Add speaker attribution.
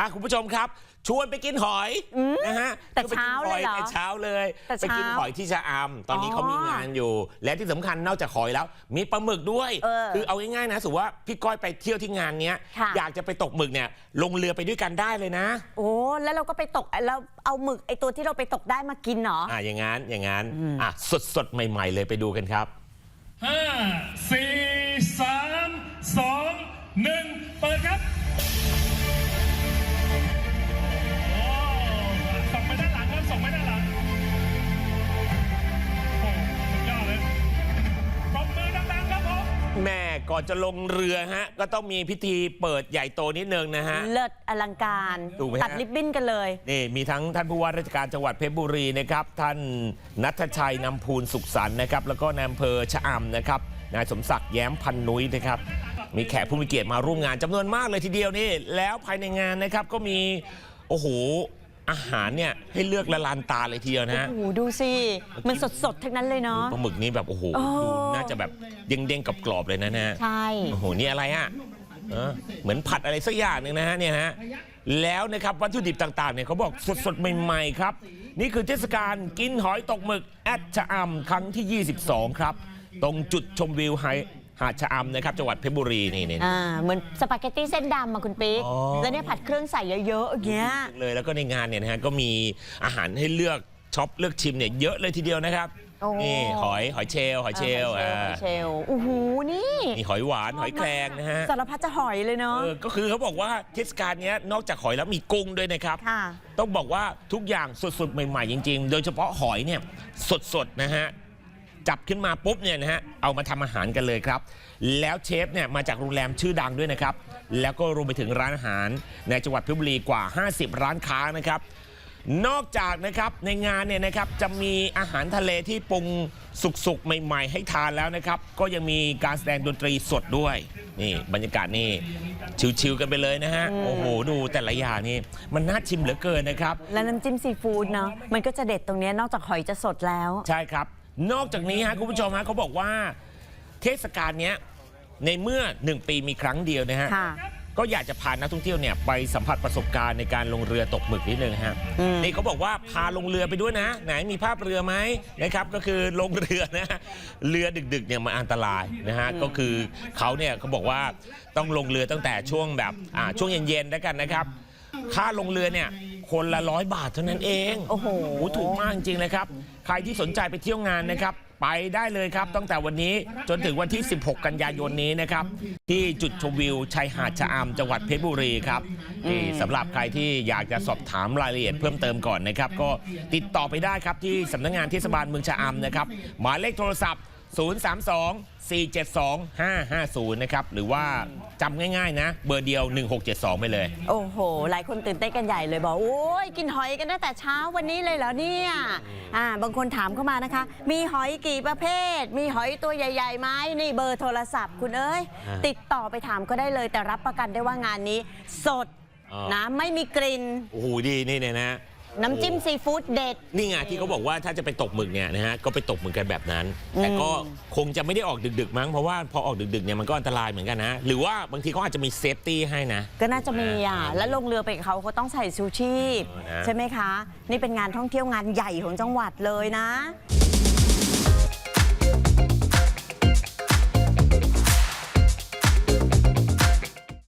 Speaker 1: คุณผู้ชมครับชวนไปกินหอยนะฮะ
Speaker 2: แต่เช้าเลยเหรอ
Speaker 1: แต่เช้าเลยไปกินหอยที่ชะอำตอนนี้เขามีงานอยู่และที่สำคัญนอกจากหอยแล้วมีปลาหมึกด้วยคือเอาง่ายๆนะสมมติว่าพี่ก้อยไปเที่ยวที่งานเนี้ยอยากจะไปตกหมึกเนี่ยลงเรือไปด้วยกันได้เลยนะ
Speaker 2: โอ้แล้วเราก็ไปตกแล้วเอาหมึกไอตัวที่เราไปตกได้มากินเหรอ
Speaker 1: อย่างงั้นสดใหม่ๆเลยไปดูกันครับ
Speaker 3: 5 4 3 2 1เปิดครับส่งไปด้านหลังครับส่งไปด้านหลังโอ้สุดยอดเลยปรบมือดังๆครับผม
Speaker 1: แม่ก่อนจะลงเรือฮะก็ต้องมีพิธีเปิดใหญ่โตนิดนึงนะฮะ
Speaker 2: เลิศอลังการตัดริบบิ้นกันเลย
Speaker 1: นี่มีทั้งท่านผู้ว่าราชการจังหวัดเพชรบุรีนะครับท่านณัฐชัยนำพูนสุขสันต์นะครับแล้วก็นายอำเภอชะอำนะครับนายสมศักดิ์แย้มพันนุ้ยนะครับมีแขกผู้มีเกียรติมาร่วมงานจำนวนมากเลยทีเดียวนี่แล้วภายในงานนะครับก็มีโอ้โหอาหารเนี่ยให้เลือกละลานตาเลยทีเดียวนะ
Speaker 2: โอ้โหดูสิมันสดๆทั้งนั้นเลยเนาะ
Speaker 1: ปลาหมึกนี้แบบโอ้โหดูน่าจะแบบเด้งๆกรอบๆเลยนะ
Speaker 2: ใช่
Speaker 1: โอ้โหนี่อะไรอ่ะเหมือนผัดอะไรสักอย่างหนึ่งนะฮะเนี่ยฮะแล้วนะครับวัตถุดิบต่างๆเนี่ยเขาบอกสดๆใหม่ๆครับนี่คือเทศกาลกินหอยตกหมึกแอดชะอำครั้งที่22ครับตรงจุดชมวิวหาดชะอำนะครับจังหวัดเพชรบุรีนี่
Speaker 2: เหมือนสปาเกตตี้เส้นดำมาคุณปิ๊กแล้วเนี่ยผัดเครื่องใส่เยอะๆอย่างเงี้ย
Speaker 1: เลยแล้วก็ในงานเนี่ยนะฮะก็มีอาหารให้เลือกช็อปเลือกชิมเนี่ยเยอะเลยทีเดียวนะครับนี่หอยเชลล์
Speaker 2: โอ้โหนี่
Speaker 1: หอยหวานหอยแครงนะฮะ
Speaker 2: สารพัดจะหอยเลยเนาะ
Speaker 1: ก็คือเขาบอกว่าเทศกาลนี้นอกจากหอยแล้วมีกุ้งด้วยนะครับต้องบอกว่าทุกอย่างสดๆใหม่ๆจริงๆโดยเฉพาะหอยเนี่ยสดๆนะฮะจับขึ้นมาปุ๊บเนี่ยนะฮะเอามาทำอาหารกันเลยครับแล้วเชฟเนี่ยมาจากโรงแรมชื่อดังด้วยนะครับแล้วก็รวมไปถึงร้านอาหารในจังหวัดเพชรบุรีกว่า50ร้านค้านะครับนอกจากนะครับในงานเนี่ยนะครับจะมีอาหารทะเลที่ปรุงสุกๆใหม่ๆให้ทานแล้วนะครับก็ยังมีการแสดงดนตรีสดด้วยนี่บรรยากาศนี่ชิวๆกันไปเลยนะฮะโอ้โหดูแต่ละอย่างนี่มันน่าชิมเหลือเกินนะครับ
Speaker 2: และน้ำจิ้มซีฟู้ดเนาะมันก็จะเด็ดตรงนี้นอกจากหอยจะสดแล้ว
Speaker 1: ใช่ครับนอกจากนี้ฮะคุณผู้ชมฮะเขาบอกว่าเทศกาลนี้ในเมื่อ1ปีมีครั้งเดียวนะฮะก็อยากจะพานักท่องเที่ยวเนี่ยไปสัมผัสประสบการณ์ในการลงเรือตกหมึกนิดนึงฮะนี่เขาบอกว่าพาลงเรือไปด้วยนะไหนมีภาพเรือไหมนะครับก็คือลงเรือนะเรือดึกๆเนี่ยมันอันตรายนะฮะก็คือเขาเนี่ยเขาบอกว่าต้องลงเรือตั้งแต่ช่วงแบบช่วงเย็นๆแล้วกันนะครับค่าลงเรือเนี่ยคนละ100 บาทเท่านั้นเอง
Speaker 2: โอ้โห
Speaker 1: ถูกมากจริงๆเลยครับใครที่สนใจไปเที่ยวงานนะครับไปได้เลยครับตั้งแต่วันนี้จนถึงวันที่16กันยายนนี้นะครับที่จุดชมวิวชายหาดชะอำจังหวัดเพชรบุรีครับสำหรับใครที่อยากจะสอบถามรายละเอียดเพิ่มเติมก่อนนะครับก็ติดต่อไปได้ครับที่สำนักงานเทศบาลเมืองชะอำนะครับหมายเลขโทรศัพท์032-472-550นะครับหรือว่าจำง่ายๆนะเบอร์เดียว1672ไปเลย
Speaker 2: โอ้โหหลายคนตื่นเต้นกันใหญ่เลยบอกโอ้ยกินหอยกันตั้งแต่เช้าวันนี้เลยเหรอเนี่ยบางคนถามเข้ามานะคะมีหอยกี่ประเภทมีหอยตัวใหญ่ๆไหมนี่เบอร์โทรศัพท์คุณเอ้ยติดต่อไปถามก็ได้เลยแต่รับประกันได้ว่างานนี้สดนะไม่มีกลิ่น
Speaker 1: โอ้โหดีนี่เนี่ยนะ
Speaker 2: น้ำจิ้มซีฟู้ดเด็ด
Speaker 1: นี่ไงที่เขาบอกว่าถ้าจะไปตกหมึกเนี่ยนะฮะก็ไปตกหมึกกันแบบนั้นแต่ก็คงจะไม่ได้ออกดึกๆมั้งเพราะว่าพอออกดึกๆเนี่ยมันก็อันตรายเหมือนกันนะหรือว่าบางทีเขาอาจจะมีเซฟตี้ให้นะ
Speaker 2: ก็น่าจะมีแล้วลงเรือไปเขาต้องใส่ชูชีพใช่ไหมคะนี่เป็นงานท่องเที่ยวงานใหญ่ของจังหวัดเลยนะ